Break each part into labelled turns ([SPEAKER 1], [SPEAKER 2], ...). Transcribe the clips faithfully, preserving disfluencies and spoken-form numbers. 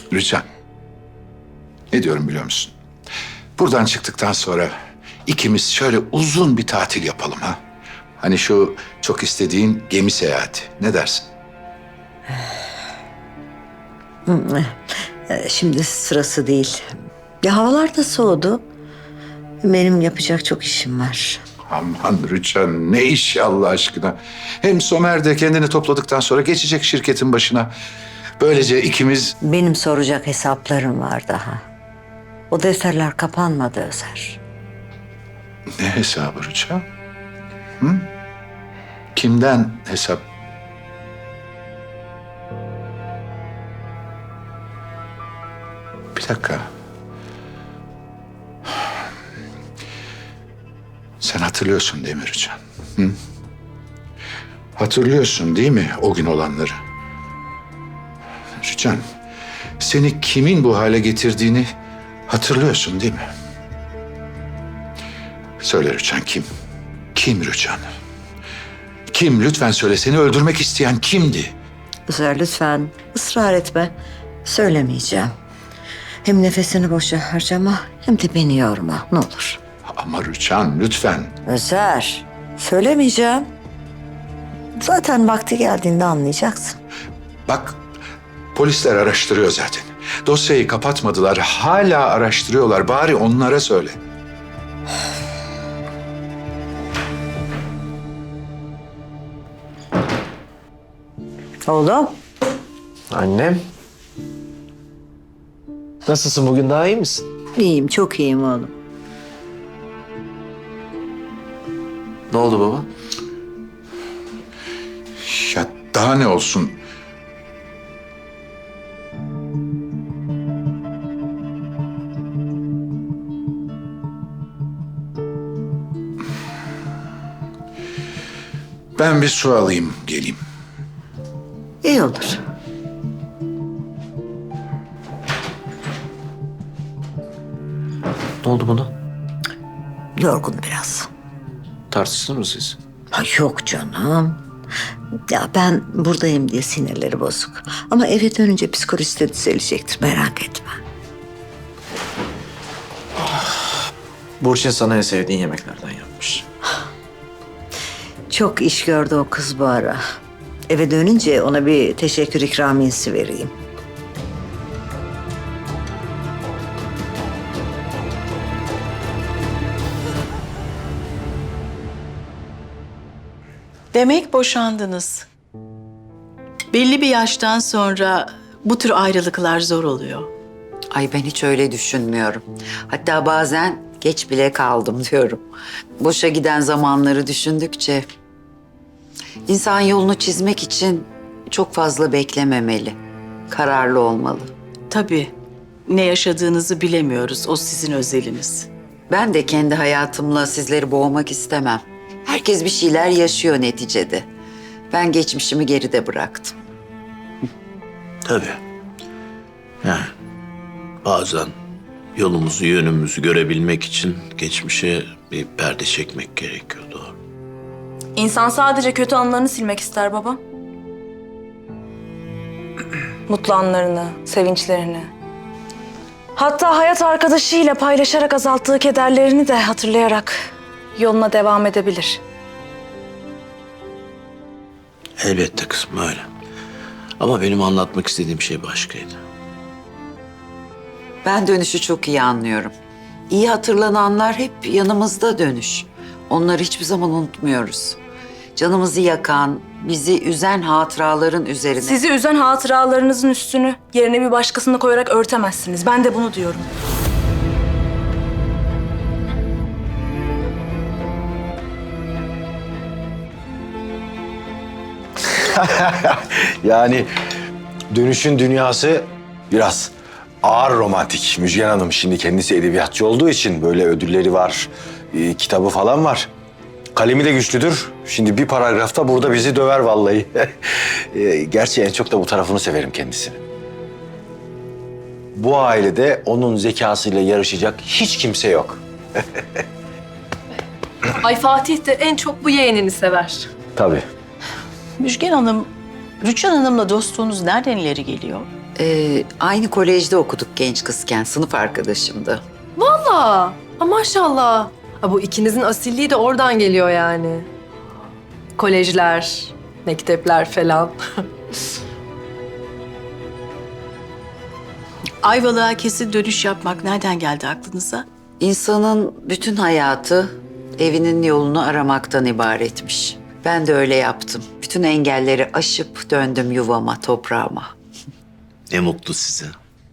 [SPEAKER 1] Rüçhan, ne diyorum biliyor musun? Buradan çıktıktan sonra ikimiz şöyle uzun bir tatil yapalım ha. Hani şu çok istediğin gemi seyahati. Ne dersin?
[SPEAKER 2] Ee, Şimdi sırası değil. Ya havalar da soğudu. Benim yapacak çok işim var.
[SPEAKER 1] Aman Rüçhan, ne iş ya Allah aşkına. Hem Somer de kendini topladıktan sonra geçecek şirketin başına. Böylece ikimiz...
[SPEAKER 2] Benim soracak hesaplarım var daha. O defterler kapanmadı Özer.
[SPEAKER 1] Ne hesabı Rüçhan? Hı? Kimden hesap? Bir dakika. Sen hatırlıyorsun değil mi Rüçhan? Hı? Hatırlıyorsun değil mi o gün olanları? Rüçhan, seni kimin bu hale getirdiğini hatırlıyorsun değil mi? Söyle Rüçhan, kim? Kim Rüçhan? Kim? Lütfen söyle. Seni öldürmek isteyen kimdi?
[SPEAKER 2] Özer lütfen ısrar etme. Söylemeyeceğim. Hem nefesini boşa harcama hem de beni yorma ne olur.
[SPEAKER 1] Ama Rüçhan lütfen.
[SPEAKER 2] Özer söylemeyeceğim. Zaten vakti geldiğinde anlayacaksın.
[SPEAKER 1] Bak, polisler araştırıyor zaten. Dosyayı kapatmadılar. Hala araştırıyorlar. Bari onlara söyle.
[SPEAKER 2] Oğlum.
[SPEAKER 3] Annem. Nasılsın bugün, daha iyi misin?
[SPEAKER 2] İyiyim, çok iyiyim oğlum.
[SPEAKER 3] Ne oldu baba?
[SPEAKER 1] Ya daha ne olsun? Ben bir su alayım, geleyim.
[SPEAKER 2] İyi olur.
[SPEAKER 3] Ne oldu buna?
[SPEAKER 2] Yorgun biraz.
[SPEAKER 3] Tartıştınız mı siz?
[SPEAKER 2] Ha, yok canım. Ya ben buradayım diye sinirleri bozuk. Ama eve dönünce psikolojisi de düzelecektir, merak etme.
[SPEAKER 3] Burçin sana en sevdiğin yemeklerden yapmış.
[SPEAKER 2] Çok iş gördü o kız bu ara. Eve dönünce ona bir teşekkür ikramiyesi vereyim.
[SPEAKER 4] Demek boşandınız. Belli bir yaştan sonra bu tür ayrılıklar zor oluyor.
[SPEAKER 5] Ay ben hiç öyle düşünmüyorum. Hatta bazen geç bile kaldım diyorum. Boşa giden zamanları düşündükçe insan yolunu çizmek için çok fazla beklememeli. Kararlı olmalı.
[SPEAKER 4] Tabii ne yaşadığınızı bilemiyoruz. O sizin özeliniz.
[SPEAKER 5] Ben de kendi hayatımla sizleri boğmak istemem. Herkes bir şeyler yaşıyor neticede. Ben geçmişimi geride bıraktım.
[SPEAKER 6] Tabii. Yani bazen yolumuzu, yönümüzü görebilmek için geçmişe bir perde çekmek gerekiyor, doğru.
[SPEAKER 7] İnsan sadece kötü anlarını silmek ister baba. Mutlu anlarını, sevinçlerini. Hatta hayat arkadaşıyla paylaşarak azalttığı kederlerini de hatırlayarak yoluna devam edebilir.
[SPEAKER 6] Elbette kızım, öyle. Ama benim anlatmak istediğim şey başkaydı.
[SPEAKER 5] Ben dönüşü çok iyi anlıyorum. İyi hatırlananlar hep yanımızda dönüş. Onları hiçbir zaman unutmuyoruz. Canımızı yakan, bizi üzen hatıraların üzerine...
[SPEAKER 7] Sizi üzen hatıralarınızın üstünü yerine bir başkasını koyarak örtemezsiniz. Ben de bunu diyorum.
[SPEAKER 8] Yani dönüşün dünyası biraz ağır romantik. Müjgan Hanım şimdi kendisi edebiyatçı olduğu için böyle ödülleri var, e, kitabı falan var. Kalemi de güçlüdür. Şimdi bir paragrafta burada bizi döver vallahi. e, gerçi en çok da bu tarafını severim kendisini. Bu ailede onun zekasıyla yarışacak hiç kimse yok.
[SPEAKER 9] Ay Fatih de en çok bu yeğenini sever.
[SPEAKER 8] Tabii.
[SPEAKER 4] Müjgan Hanım, Rüçhan Hanım'la dostluğunuz nereden ileri geliyor?
[SPEAKER 5] Ee, aynı kolejde okuduk genç kızken, sınıf arkadaşımdı.
[SPEAKER 9] Valla. Ha, maşallah. Ha, bu ikinizin asilliği de oradan geliyor yani. Kolejler, mektepler falan.
[SPEAKER 4] Ayvalık'a kesin dönüş yapmak nereden geldi aklınıza?
[SPEAKER 5] İnsanın bütün hayatı evinin yolunu aramaktan ibaretmiş. Ben de öyle yaptım. Bütün engelleri aşıp döndüm yuvama, toprağıma.
[SPEAKER 6] Ne mutlu size.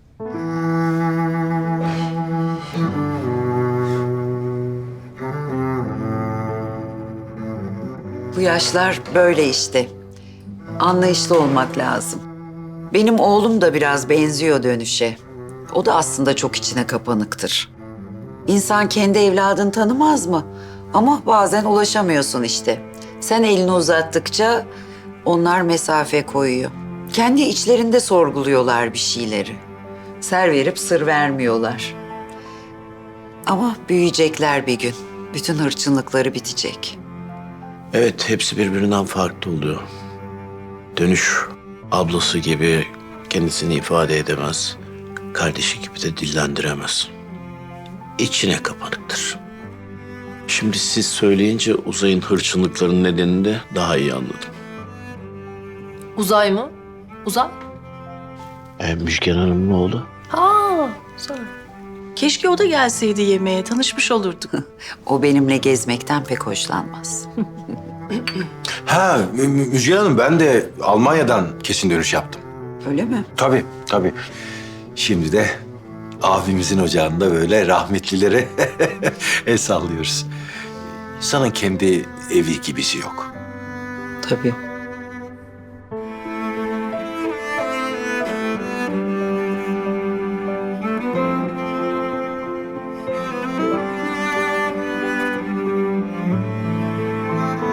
[SPEAKER 5] Bu yaşlar böyle işte. Anlayışlı olmak lazım. Benim oğlum da biraz benziyor dönüşe. O da aslında çok içine kapanıktır. İnsan kendi evladını tanımaz mı? Ama bazen ulaşamıyorsun işte. Sen elini uzattıkça onlar mesafe koyuyor. Kendi içlerinde sorguluyorlar bir şeyleri. Ser verip sır vermiyorlar. Ama büyüyecekler bir gün. Bütün hırçınlıkları bitecek.
[SPEAKER 6] Evet, hepsi birbirinden farklı oluyor. Dönüş ablası gibi kendisini ifade edemez. Kardeşi gibi de dillendiremez. İçine kapanıktır. Şimdi siz söyleyince Uzay'ın hırçınlıklarının nedenini de daha iyi anladım.
[SPEAKER 9] Uzay mı? Uzay?
[SPEAKER 6] E, Müjgan Hanım'ın oğlu.
[SPEAKER 9] Ha, güzel.
[SPEAKER 4] Keşke o da gelseydi yemeğe, tanışmış olurduk.
[SPEAKER 5] O benimle gezmekten pek hoşlanmaz.
[SPEAKER 8] Ha Mü- Mü- Müjgan Hanım, ben de Almanya'dan kesin dönüş yaptım.
[SPEAKER 5] Öyle mi?
[SPEAKER 8] Tabii, tabii. Şimdi de abimizin ocağında böyle rahmetlilere el sallıyoruz. İnsanın kendi evi gibisi yok.
[SPEAKER 5] Tabii.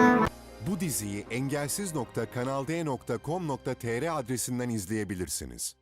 [SPEAKER 10] Bu diziyi engelsiz nokta kanal d nokta com nokta tr adresinden izleyebilirsiniz.